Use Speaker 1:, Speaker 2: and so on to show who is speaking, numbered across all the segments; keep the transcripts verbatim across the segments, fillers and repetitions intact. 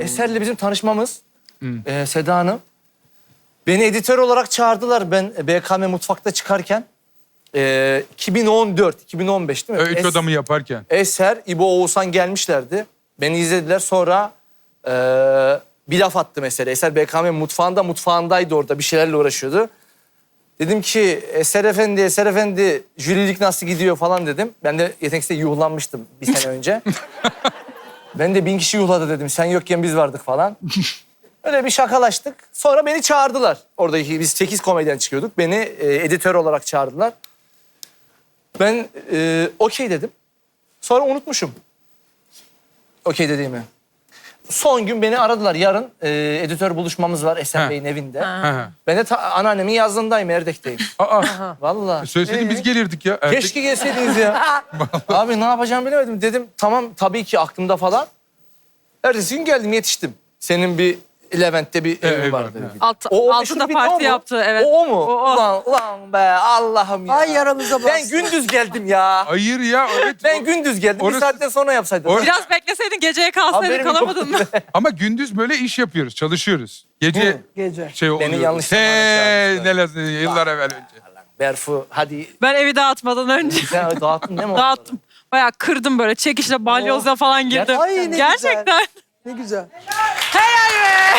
Speaker 1: Eser'le bizim tanışmamız. Ee, Seda Hanım. Beni editör olarak çağırdılar ben B K M Mutfak'ta çıkarken. Ee, iki bin on dört, iki bin on beş değil mi?
Speaker 2: Üç
Speaker 1: Es-
Speaker 2: adamı yaparken.
Speaker 1: Eser, İbo, Oğuzhan gelmişlerdi. Beni izlediler sonra ee, bir laf attı mesela. Eser B K M mutfağında, mutfağındaydı orada bir şeylerle uğraşıyordu. Dedim ki Eser Efendi, Eser Efendi jürilik nasıl gidiyor falan dedim. Ben de yeteneksizde yuhlanmıştım bir sene önce. Ben de bin kişi yuhladı dedim. Sen yokken biz vardık falan. Öyle bir şakalaştık. Sonra beni çağırdılar. Oradaki biz sekiz komedyen çıkıyorduk. Beni e, editör olarak çağırdılar. Ben e, okey dedim. Sonra unutmuşum. Okey dediğimi. Son gün beni aradılar. Yarın e, editör buluşmamız var Eser
Speaker 2: Ha.
Speaker 1: Bey'in evinde.
Speaker 2: Ha.
Speaker 1: Ben de ta- anneannemin yazlığındayım, Erdek'teyim.
Speaker 2: Aa,
Speaker 1: Vallahi.
Speaker 2: söyleseydin
Speaker 1: Ee?
Speaker 2: biz gelirdik ya. Erkek-
Speaker 1: Keşke gelseydiniz ya. Abi ne yapacağımı bilemedim. Dedim tamam tabii ki aklımda falan. Ertesi gün geldim yetiştim. Senin bir Levent'te bir evin
Speaker 2: ev
Speaker 1: vardı.
Speaker 2: vardı, evet.
Speaker 3: Alt,
Speaker 1: O, o
Speaker 3: altıda
Speaker 1: meşhur bir de o
Speaker 3: parti
Speaker 1: mu?
Speaker 3: yaptı. Evet.
Speaker 1: O, o mu?
Speaker 3: O, o.
Speaker 1: Ulan, ulan be Allah'ım ya.
Speaker 4: Ay yaramıza bastı.
Speaker 1: Ben gündüz geldim ya.
Speaker 2: Hayır ya, evet.
Speaker 1: Ben gündüz geldim.
Speaker 2: Orası-
Speaker 1: Bir saatten sonra yapsaydım.
Speaker 2: Orası-
Speaker 3: Biraz bekleseydin geceye kalsaydın
Speaker 1: Haberim
Speaker 3: kalamadın mı?
Speaker 1: yoktu.
Speaker 2: Ama gündüz böyle iş yapıyoruz, çalışıyoruz. Gece
Speaker 1: Hı.
Speaker 4: Gece.
Speaker 2: şey oluyor.
Speaker 1: yanlış zamana
Speaker 2: Hey,
Speaker 1: çağırmışlar.
Speaker 2: neler yıllar evvel önce.
Speaker 1: Berfu hadi.
Speaker 3: Ben evi dağıtmadan önce
Speaker 1: Sen dağıttın değil mi?
Speaker 3: dağıttım. Bayağı kırdım böyle çekişle balyozla falan girdim.
Speaker 4: Ay, ne güzel.
Speaker 3: Gerçekten.
Speaker 4: Ne güzel.
Speaker 3: Helal be.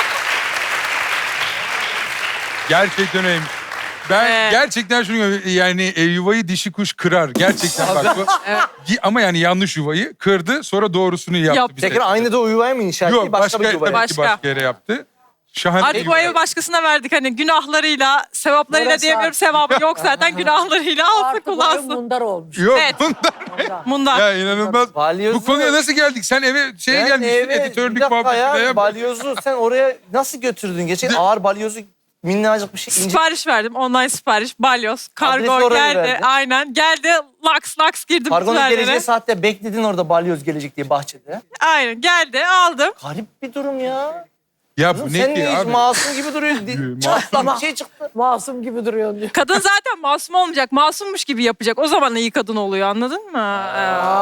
Speaker 2: Gerçekten öyleymiş. Ben
Speaker 3: Evet.
Speaker 2: gerçekten şunu görüyorum, yani e, yuvayı dişi kuş kırar. Gerçekten bak bu. Gi- Ama yani yanlış yuvayı kırdı, sonra doğrusunu yaptı.
Speaker 3: Yaptı.
Speaker 2: bir
Speaker 1: Tekrar
Speaker 2: seferde.
Speaker 1: aynı da o yuvaya mı inşa etti?
Speaker 2: Yok,
Speaker 1: Başka,
Speaker 2: başka,
Speaker 1: bir yuvaya.
Speaker 2: tabii ki
Speaker 3: Başka.
Speaker 2: başka yere yaptı. Şahane
Speaker 3: Artık bu evi başkasına verdik hani günahlarıyla, sevaplarıyla
Speaker 4: Orası
Speaker 3: diyemiyorum,
Speaker 4: artık.
Speaker 3: sevabı yok zaten günahlarıyla alsın
Speaker 4: Artık o ev
Speaker 3: kullansın.
Speaker 4: mundar olmuş.
Speaker 2: Yok
Speaker 3: Evet.
Speaker 2: bunlar.
Speaker 3: Bundan.
Speaker 2: Ya inanılmaz.
Speaker 1: Balyozu-
Speaker 2: Bu konuya nasıl geldik? Sen eve şeye
Speaker 1: Ben
Speaker 2: gelmiştin,
Speaker 1: eve- bir
Speaker 2: editörlük
Speaker 1: dakika
Speaker 2: muhabbetine.
Speaker 1: ya,
Speaker 2: Ya.
Speaker 1: balyozu sen oraya nasıl götürdün? Geçen ağır balyozu minnacık bir şey. ince-
Speaker 3: Sipariş verdim. Online sipariş. Balyoz.
Speaker 1: Adresi
Speaker 3: Kargo
Speaker 1: oraya
Speaker 3: geldi.
Speaker 1: verdin.
Speaker 3: Aynen. Geldi. Laks laks girdim.
Speaker 1: Kargonun
Speaker 3: kutularına.
Speaker 1: geleceği saatte bekledin orada balyoz gelecek diye bahçede.
Speaker 3: Aynen. Geldi. Aldım.
Speaker 1: Garip bir durum ya.
Speaker 2: Ya
Speaker 1: Kızım
Speaker 2: bu
Speaker 1: sen
Speaker 2: ne ki
Speaker 1: niye hiç
Speaker 2: abi?
Speaker 1: masum gibi duruyorsun? Çatlak bir şey çıktı.
Speaker 4: Masum gibi duruyorsun diyor.
Speaker 3: Kadın zaten masum olmayacak. Masummuş gibi yapacak. O zaman iyi kadın oluyor. Anladın mı?